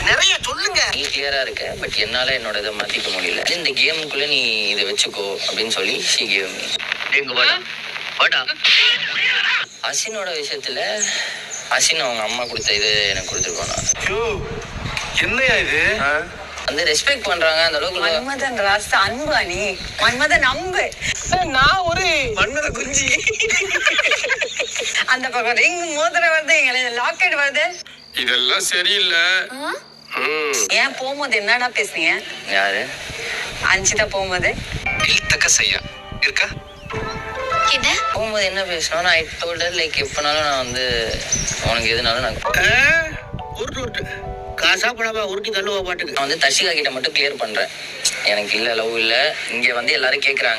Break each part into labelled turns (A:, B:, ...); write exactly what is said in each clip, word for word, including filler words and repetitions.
A: நிறைய சொல்லுங்க.
B: நீ கிளியரா இருக்க, பட் என்னால என்னோட இதை மாத்திக்க முடியல. இந்த கேமுக்குள்ள நீ இதை வச்சுக்கோ அப்படின்னு சொல்லி ஷீ கேவ் மீ. எங்க வாடா வாடா. அசினோட விஷயத்துல அசின் அவங்க அம்மா கொடுத்த இது எனக்கு கொடுத்துருக்கோம்.
A: என்னையா இது
B: வந்து ரெஸ்பெக்ட் பண்றாங்க அந்த அளவுக்கு.
C: மன்மதன் ராஸ்தா அன்பா நீ மன்மதன் அம்பு. நான் ஒரு
A: மன்மத குஞ்சி.
C: அந்த பக்கம் ரிங் மோதிரம் வருது, லாக்கெட் வருது.
A: இதெல்லாம் சரியில்லை.
C: ஏன் போகும்போது என்னடா பேசுனீங்க?
B: யாரு?
C: அஞ்சிதா போகும்போது
A: இழுத்தக்க செய்யா இருக்கா?
C: என்ன
B: போகும்போது என்ன பேசணும்? நான் டோல்ட் லைக் எப்பனாலும் நான் வந்து உனக்கு எதுனாலும் நான்
A: உருட்டு உருட்டு காசா பணமா உருட்டி தள்ளுவா பாட்டுக்கு.
B: நான் வந்து தர்ஷிகா கிட்ட மட்டும் கிளியர் பண்றேன், எனக்கு இல்ல லவ் இல்ல. இங்க வந்து எல்லாரும் கேக்குறாங்க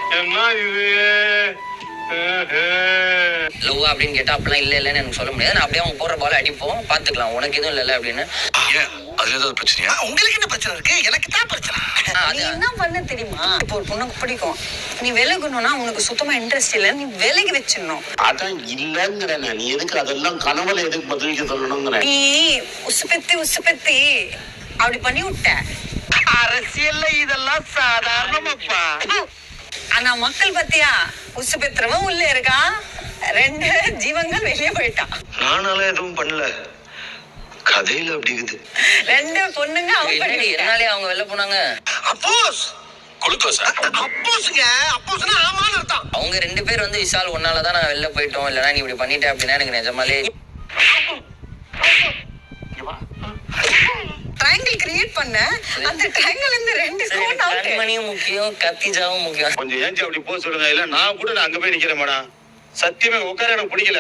B: லவ் அப்படின்னு கேட்டா அப்படிலாம் இல்ல இல்லன்னு எனக்கு சொல்ல முடியாது. நான் அப்படியே அவங்க போற பால அடிப்போம், பாத்துக்கலாம், உனக்கு எதுவும் இல்ல அப்படின்னு.
A: அதுல ஏதாவது பிரச்சனையா? உங்களுக்கு என்ன பிரச்சனை இருக்கு? எனக்கு தான் பிரச்சனை.
C: நீ என்ன பண்ண தெரியுமா? இப்போ ஒரு பொண்ணுக்கு பிடிக்கும், நீ விலகணும்னா உனக்கு சுத்தமா இன்ட்ரெஸ்ட் இல்ல, நீ விலகி வச்சிடணும்.
D: அதான் இல்லங்கிற. நீ எதுக்கு அதெல்லாம் கனவுல எதுக்கு பதிலுக்கு சொல்லணுங்கிற?
C: நீ உசுப்பெத்தி உசுப்பெத்தி அப்படி பண்ணி விட்ட.
A: அரசியல்ல இதெல்லாம் சாதாரணமாப்பா.
C: ஆனா மக்கள் பத்தியா உசு பெற்றவன் உள்ள இருக்கான், ரெண்டு ஜீவங்கள் வெளியே போயிட்டான்.
A: நானால எதுவும் பண்ணல, கதையில அப்படி இருக்குது.
C: ரெண்டு பொண்ணுங்க அவங்க
B: என்னாலே அவங்க வெளில போனாங்க.
A: அப்போஸ் குளுக்கோஸா? அப்போஸ்ங்க, அப்போஸ்னா ஆமான்னு அர்த்தம்.
B: அவங்க ரெண்டு பேர் வந்து விஷால் ஒன்னாலதான் நான் வெளில போயிட்டோம், இல்லனா நீ இப்படி பண்ணிட்ட அப்படின்னா எனக்கு நிஜமாலே
C: ட்ரையாங்கிள் கிரியேட் பண்ண. அந்த ட்ரையாங்கிள் இருந்து ரெண்டு ஸ்கோர் அவுட்.
B: கண்மணியும் முக்கியம், கத்திஜாவும் முக்கியம்.
E: கொஞ்சம் ஏஞ்சி அப்படி போக சொல்லுங்க. இல்ல நான் கூட நான் அங்க போய் நிக்கிறேன் மேடம். சத்தியமே உட்கார எனக்கு பிடிக்கல.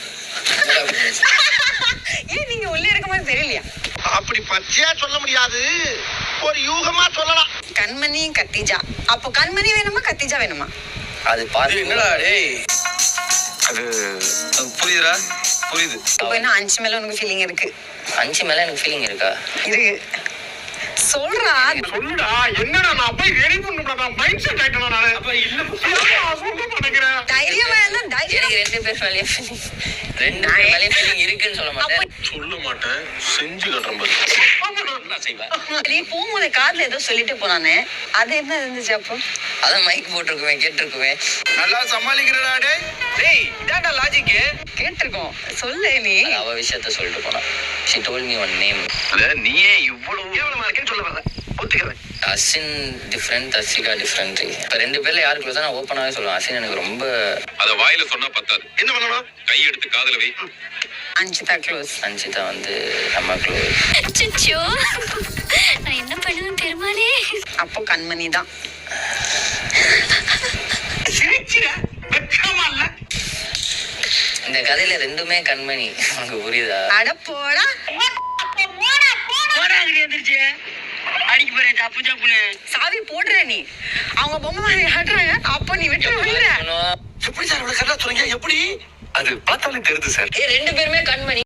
C: ஏன் நீங்க உள்ள இருக்க மாதிரி தெரியலையா?
A: அப்படி பச்சையா சொல்ல முடியாது, ஒரு யூகமா சொல்லலாம்.
C: கண்மணி கத்திஜா. அப்போ கண்மணி வேணுமா கத்திஜா வேணுமா?
B: அது பாரு
A: என்னடா டேய், அது புரியுதா? புரியுது.
C: இப்போ என்ன அஞ்சு மேல உனக்கு ஃபீலிங் இருக்கு?
B: அஞ்சு மேல எனக்கு ஃபீலிங் இருக்கா?
C: இருக்கு. சொல்றா
E: சொல்லுடா. என்னடா நான் போய் ரெடி பண்ணுடா. நான் மைண்ட் செட் ஆயிட்டேனா நானு. அப்ப இல்ல சொல்ல மாட்டேங்கறேன்.
C: தைரியமா இருந்தா தைரியம்.
B: எனக்கு ரெண்டு பேர் மேலயே ஃபீலிங் ரெண்டு பேர் மேலயே ஃபீலிங் இருக்குன்னு சொல்ல மாட்டேன்.
E: சொல்ல மாட்டேன், செஞ்சு காட்டுறேன் பாரு.
B: நான் செய்வேன்.
C: நீ போகும்போது கார்ல ஏதோ சொல்லிட்டு போனானே, அது என்ன இருந்துச்சு? அப்போ
B: அதான் மைக் போட்டிருக்குமே, கேட்டிருக்குமே.
A: நல்லா சமாளிக்கிறடா டேய். டேய் இதான்டா லாஜிக்.
C: கேட்டிருக்கோம், சொல்லு நீ.
B: அவ விஷயத்த சொல்லிட்டு போனா. she told me one name.
A: அத நீயே இவ்வளவு கேவலமா இருக்கேன்னு சொல்ல வர. ஒத்துக்கறேன்.
B: Asin different, Darshika different. இப்ப ரெண்டு பேர்ல யாரு க்ளோஸா நான் ஓப்பனாவே சொல்லுவேன். அசின் எனக்கு ரொம்ப.
E: அத வாயில சொன்னா பத்தாது.
A: என்ன பண்ணணும்?
E: கை எடுத்து காதுல வை.
C: அஞ்சிதா க்ளோஸ்.
B: அஞ்சிதா வந்து நம்ம க்ளோஸ்.
F: அச்சச்சோ, நான் என்ன பண்ணுவேன் பெருமாளே.
C: அப்போ கண்மணி தான்.
A: சிரிச்சிர வெக்கமா இல்ல?
B: இந்த கதையில ரெண்டுமே கண்மணி, உனக்கு புரியுதா?
C: அட போடா.
A: அடிக்கு போறேன் தப்பு தப்புன்னு.
C: சாவி போடுற நீ. அவங்க பொம்மை மாதிரி ஆடுறாங்க, அப்போ நீ விட்டு விடுற.
A: எப்படி சார் இவ்வளவு கரெக்டா சொல்றீங்க? எப்படி? அது பார்த்தாலே தெரியுது சார்.
B: ஏ ரெண்டு பேருமே கண்மணி.